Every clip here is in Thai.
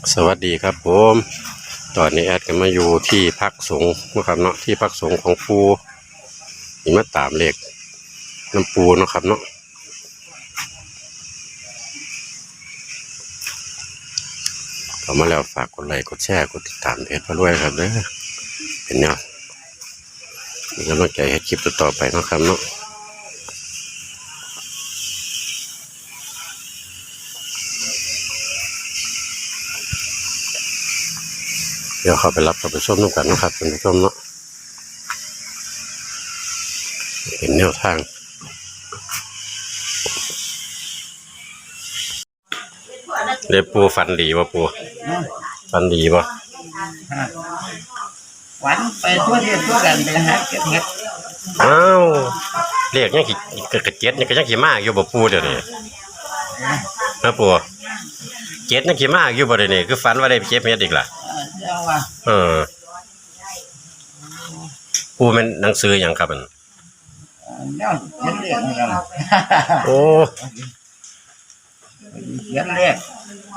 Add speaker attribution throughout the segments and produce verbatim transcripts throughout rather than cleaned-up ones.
Speaker 1: สวัสดีครับผมตอนนี้แอดก็มาอยู่ที่พักสงฆ์นะครับเนาะที่พักสงฆ์ของปูนี่มาตามเลขน้ำปูนะครับเนาะเข้ามาแล้วฝากกดไลค์กดแชร์กดติดตามเพจพระรวยครับเด้อเป็นแนวมีกำลังใจให้คลิปต่อไปนะครับเนาะเดี๋ยวเข้าไปรับเข้าไปชมน้ำกันนะครับคุณผู้ชมเนาะเป็นแนวทางเรียกปูฟันดีวะปูฟันดีวะ
Speaker 2: ฝันไปทั่วที่ทั่วกันไปหาเก็บเห็ด
Speaker 1: อ้าวเรียกยังขี่กระเจ็ดยังก็ยังขี่มากอยู่บ่ปูเดี๋ยวนี้นะปูเจ็ดยังขี่มากอยู่บ่เดี๋ยวนี้คือฝันว่าได้ไปเก็บเห็ดอีกล่ะ
Speaker 2: เจ้าว่า
Speaker 1: เออปูเป็นหนังสืออย่างครับมัน
Speaker 2: เนี่ยเขียนเลขนะครับ
Speaker 1: โอ้
Speaker 2: เขียนเลข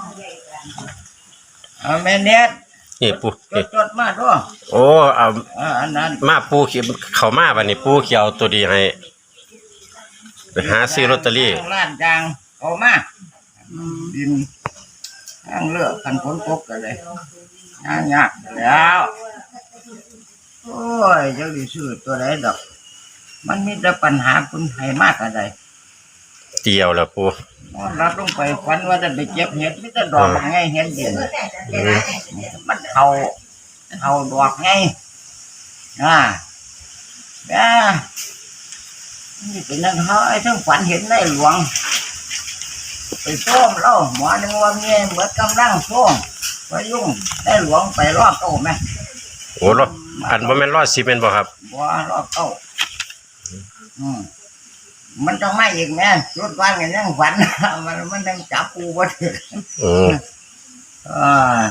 Speaker 2: เอาแม่เน็ต
Speaker 1: นี่ปู
Speaker 2: จดจดมาด้วย
Speaker 1: โอ้เอา
Speaker 2: อันนั้น
Speaker 1: มาปูเขียวเขามาบัดนี้ปูเขียวตัวดีให้ไปหาซื้อลอตเตอรี่
Speaker 2: ร้านจางเอามาดินทางเลือกกันฝนตกกันเลยยากยากแล้วโอ้ยเจ้าดิซื้อตัวไหนดอกมันมีแต่ปัญหาคุณให้มากอะไร
Speaker 1: เตียวแล้วปู
Speaker 2: รับลงไปฝันว่าจะไปเก็บเห็ดไม่จะดอกไงเห็ดเย็นมันเท่าเท่าดอกไงอ่าแม่นี่เป็นนั่นเขาไอ้ทั้งฝันเห็นในหลวงไปส้มเล่าหมอนึงว่าเงี้ยเหมือนกำลังส้มไปยุ่งได้หลวงไปรอบเก้าไหม
Speaker 1: โอ้รอบอันว่าแม่นรอดซีเมนต์บ่ครับ
Speaker 2: บ่รอบเก้าอืมมันต้องไม่อีกแม่ชุดวันกันยังฝันมันมันยังจับปูบ่ถึง
Speaker 1: อืม
Speaker 2: อ่า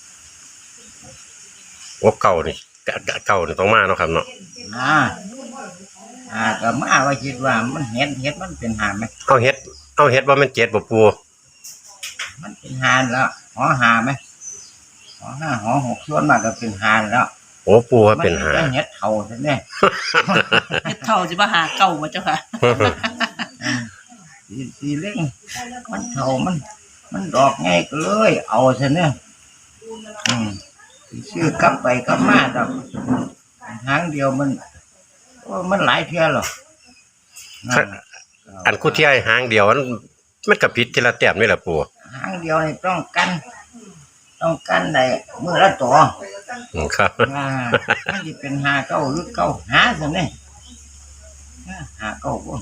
Speaker 1: ว่าเก่านี่เก่านี่ต้องมาเนาะครับเนาะ
Speaker 2: อ่าอ่าก็มาว่าคิดว่ามันเห็ดเห็ดมันเป็นหานไหม
Speaker 1: เอาเห็ดเอาเห็ดว่ามันเจ็ดบ่ปู
Speaker 2: มันเป็นหานแล้วหอหาไหมหอห้าหอหกส่วนมากก็เป็นหานแล้ว
Speaker 1: โอ้ปูว่าเป็นหา
Speaker 2: เห็ดเท่าใช่ไหม
Speaker 3: เห็ดเท่าจะมาหาเก่ามาเจ้าค่ะ
Speaker 2: สีสีเล่งมันเท่ามันมันดอกไงก็เลยเอาใช่ไหมอืมชื่อกลับไปกลับมาดอกหางเดียวมันมันหลายเพียหรอ
Speaker 1: อันคู่ที่ไอ้หางเดียวมันมันกระพิษทีละแต้มนี่แหละปู
Speaker 2: หางเดียวนี่ต้องกันต้องกันได้มือละตัว
Speaker 1: ครับ
Speaker 2: มันจะเป็นหาเก้าหรือเก้าหาสิเนี่ยหาเก้าบ่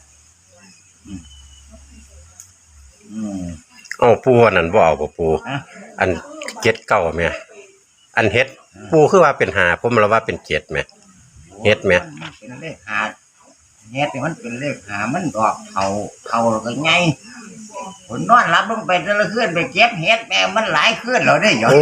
Speaker 1: อืมอ๋อปูอันนั้นบ่เอาบ่ปูอันเจ็ดเก้าไหมอันเฮ็ดปูคือว่าเป็นหาผมเราว่าเป็นเจ็ดไหมเฮ็ดไหม
Speaker 2: เป็นเลขหาเฮ็ดมันเป็นเลขหามันดอกเข่าเข่าก็ไงผมนอนรับลงไปจะละขึ้นไปเก็บเฮ็ดแม่มันหลายขึ้นเราได้อยู่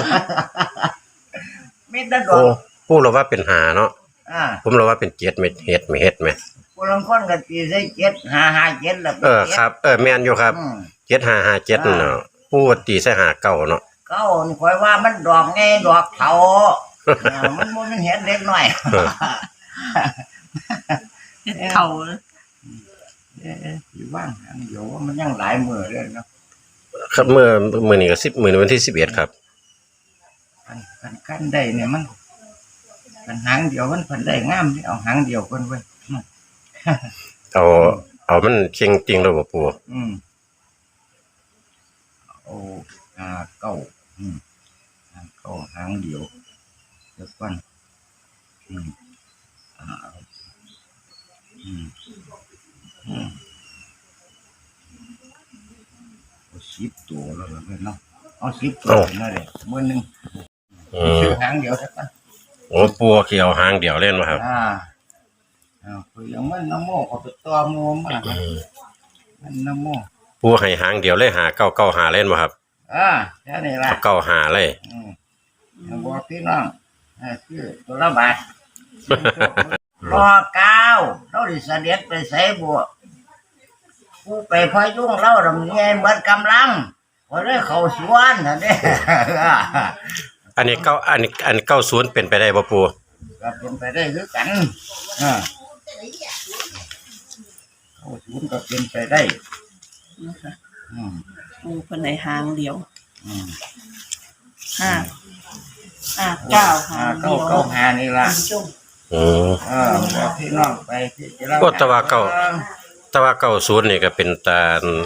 Speaker 2: ไม่ได้ดอก
Speaker 1: ปูเราว่าเป็นหาเนาะผมเราว่าเป็นเจ็ดไหมเฮ็ดไหมเฮ็ดไหม
Speaker 2: ปูลังคนกันตีใส่เจ็ดหาหาเจ็ดแล้ว
Speaker 1: เออครับเออแม่นอยู่ครับเจ็ดหาหาเจ็ดเนาะปูตีใส่หาเก้าเนาะ
Speaker 2: เก้านี่คอยว่ามันดอกไงดอกเถามันมันเห็นเล็กหน่อย
Speaker 3: เท่า
Speaker 2: อยู่บ้านเดี๋ยวมันยังหลายมือเลยเนาะ
Speaker 1: ครับเมื่อเมื่อนี้ก็สิบมื่อวันที่สิบเอ็ดครับ
Speaker 2: กันกันได้เนี่ยมันกันหางเดียวมันพันได้งามเอาหางเดียวคนไว้
Speaker 1: เอาเอามันเชียงจริงเลยบ่ปู
Speaker 2: อืมโอ้หาเก้าอืมหาเก้าหางเดียวเดี๋ยวก่อนอืมอ่าอืมอืมเอาสิบตัวแล้วเลยเนาะเอาสิบตัวนั่นเลยมือหนึ่งซื้อหางเดียวสักกัน
Speaker 1: โอ้ปูเขียวหางเดียวเล่นมาครับ
Speaker 2: อ่าอ่าคือยังมันน้ำโม่เขาไปตัวโม่มากมันน้ำโม่
Speaker 1: ปูให้หางเดียวเลยหาเก้าเก้าหาเล่นมาครับ
Speaker 2: อ่าแค่นี้แหละ
Speaker 1: เก้าหาเลย
Speaker 2: อืมบอกพี่น้องอ่าคือตัวละบาทรอเก้าเราดิเสด็จไปใส่บัวผู้ไปพายุ่งเล่าดำเนินเหมือนกำลังพอได้เขาสวนนะเนี่ย
Speaker 1: อันนี้เก้าอันนี้อันเก้าศูนย์เป็นไปได้บ่ปู
Speaker 2: ก็เป็นไปได้คือกันอ่าเขาสวนก็เป็นไปได้
Speaker 3: นะคะ
Speaker 2: อืม
Speaker 3: ปูเพิ่นในหางเดียว
Speaker 2: อืม
Speaker 3: ห้าห้าเก้าหา
Speaker 2: อ่าง
Speaker 3: เดี
Speaker 2: เก้า
Speaker 3: ยว
Speaker 2: เก้าหานี่ล่ะ
Speaker 3: คุณผู้ชม
Speaker 1: อืม
Speaker 2: เออบอกพี่น้องไปที่จะ
Speaker 1: โอ้แต่ว่าเก้า แต่ว่าเก้าศูนย์นี่ก็เป็นตา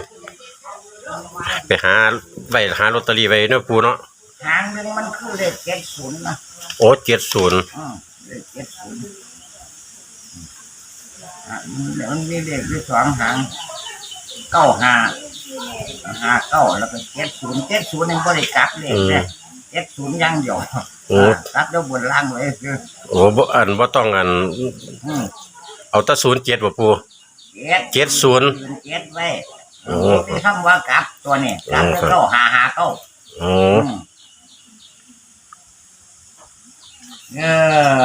Speaker 1: ไปหาไว้หาลอตเตอรี่ไว้เนาะปูเนาะ
Speaker 2: หางหนึงมันคือเลขเจ็ดศูนย์นะ
Speaker 1: โอ้เจ็ดศูนย์
Speaker 2: อืมเลขเจ็ดศูนย์อ่ะมันมีเลขที่สองหางเก้าห้าห้าเก้าแล้วก็เจ็ดศูนย์เจ็ดศูนย์นี่บริกลับเลขเนี่ยเจ็ดศูนย์อยังเดียว
Speaker 1: โอ้
Speaker 2: กลับแล้วบนล่างเลยคือ
Speaker 1: โอ้บ่อันบ่ต้องอัน
Speaker 2: อืม
Speaker 1: เอาแตะศูนย์เจ็ดบ่ปู เจ็ดศูนย์
Speaker 2: เจ็ดไว้
Speaker 1: โอ้
Speaker 2: ที่คำว่ากลับตัวนี้กลับแล้วเก้าห้าห้าเก้า
Speaker 1: อ๋อ
Speaker 2: อืมเออ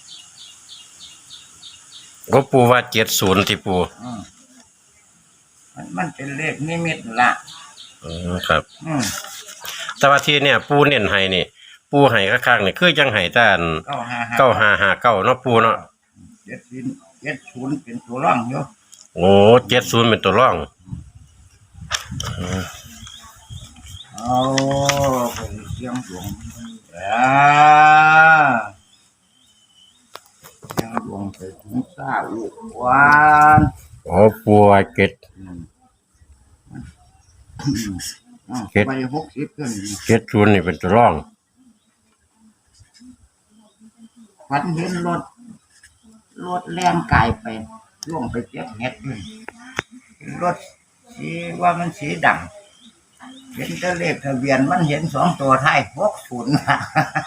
Speaker 1: ก็ปูว่าเจ็ดศูนย์ที่ปู
Speaker 2: อืมมันมันเป็นเลขนิมิตละ
Speaker 1: อืมครับ
Speaker 2: อืม
Speaker 1: แต่ว่าที่เนี่ยปูเน้นให้นี่ ปูให้ข้างๆนี่คือยังให้แต่อัน
Speaker 2: เก้าห้าห้า
Speaker 1: เก้าห้าห้าเก้าเนาะปูเนาะ
Speaker 2: เจ็ดศูนย์เจ็ดศูนย์เป็นตัวร่องอยู่
Speaker 1: โอ้เจ็ดศูนย์เป็นตัวร่อง
Speaker 2: เอาไปเสียงหลวงอ่าเสียงหลวงไปถึงซาลูกหวาน
Speaker 1: โอ้ปูว่าเจ็ด
Speaker 2: อืมอ่า
Speaker 1: เจ็ด
Speaker 2: ไปหกสิบขึ้น
Speaker 1: เจ็ดศูนย์นี่เป็นตัวร่อง
Speaker 2: ฝันเห็นรถรถแล่นกายไปล่วงไปเจ็บเห็ดเลยรถสีว่ามันสีดำเห็นแต่เลขทะเบียนมันเห็นสองตัวท้ายหกศูนย์อ่า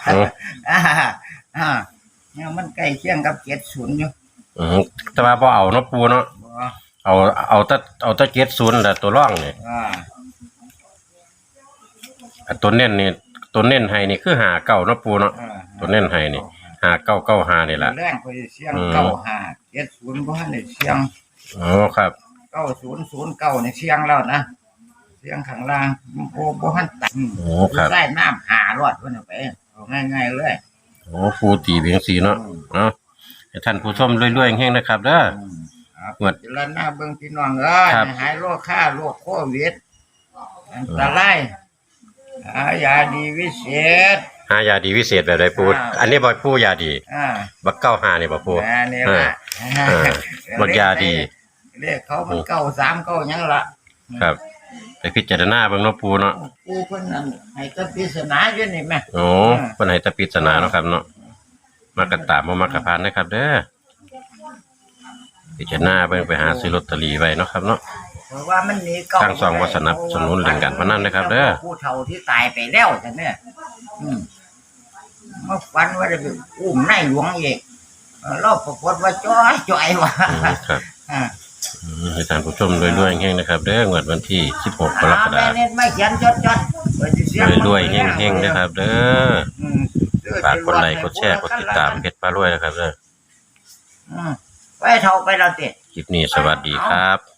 Speaker 2: อ่าเนี่ยมันใกล้เคียงกับเจ็ดศูนย์อยู่
Speaker 1: อืมแต่ว่าพอเอาเนาะปูเนาะ
Speaker 2: บ่
Speaker 1: เอาเอาแต่เอาแต่เจ็ดศูนย์แต่ตัวร่องนี่
Speaker 2: อ่า
Speaker 1: อ่ะตัวเน้นนี่ตัวเน้นให้นี่คือหาเก้าเนาะปูเนาะ
Speaker 2: อ่า
Speaker 1: ตัวเน้นให้นี่หาเก้าเก้าหานี่แหละ
Speaker 2: แรงไปเสียง
Speaker 1: อืม
Speaker 2: เก้าห้าเจ็ดศูนย์บ่ทันได้เสียง
Speaker 1: อ๋อครับ
Speaker 2: เก้าศูนย์ศูนย์เก้าในเสียงแล้วนะเสียงข้างล่างโอ้บ่ทันตัด
Speaker 1: โอ้ครับ
Speaker 2: ได้น้ำหารอดเพิ่นเอาไปเอาง่ายๆเลย
Speaker 1: โอ้ปูตีเพียงสีเนาะเนาะให้ท่านผู้ชมรวยๆแห้งๆนะครับเด้อ
Speaker 2: ครับ
Speaker 1: งวด
Speaker 2: เจริญหน้าเบิ่งพี่น้องเอ้ย
Speaker 1: ครับ
Speaker 2: หายโรคค่าโรคโควิดอันตรายหายาดีวิเศษ
Speaker 1: หายาดีวิเศษแบบใดปู
Speaker 2: อ่า
Speaker 1: อันนี้บ่ปูยาดี
Speaker 2: อ่า
Speaker 1: บักเก้าหานี่บ่ปู
Speaker 2: แม่นี่ละ
Speaker 1: เออบักยาดี
Speaker 2: เลขเขามันเก้าสามเก้าหยังละ
Speaker 1: ครับไปพิจารณาเบิ่งเนาะปูเนาะ
Speaker 2: กูเพิ่นนั่นให้ตะปริศนาอยู่นี่แม่
Speaker 1: โอ้เพิ่นให้แตะปริศนาเนาะครับเนาะมากระตามบ่มากระพานนะครับ เด้อพิจารณาเบิ่งไปหาซื้อลอตเตอรี่ไว้เนาะครับเนาะ
Speaker 2: เพราะว่ามันหนีเก้า
Speaker 1: ทางสองวัดสนับสนุนเรื่องการพนันนะครับเด้อ
Speaker 2: ผู้เฒ่าที่ตายไปแล้วจังเนี่ยอืมมาฝันว่าจะไปอุ้มนายหลวงอีกเออเราปรากฏว่าจ้อยจ้อยว่ะ
Speaker 1: อืมครับ
Speaker 2: อ่า
Speaker 1: อืมให้ท่านผู้ชมรวยๆแห้งๆนะครับเด้องวดวันที่สิบหกกรกฎา
Speaker 2: แม่
Speaker 1: คม
Speaker 2: เน็ตไม่เขียนจดจดๆไว้ที่เสียง
Speaker 1: รวยๆแห้งๆนะครับ เด้อ
Speaker 2: อืม
Speaker 1: ฝากกดไลค์กดแชร์กดติดตามเพชรปลารวยนะครับเด้อ
Speaker 2: อืมไปเท่าไปเราเตะ
Speaker 1: คลิปนี้สวัสดีครับ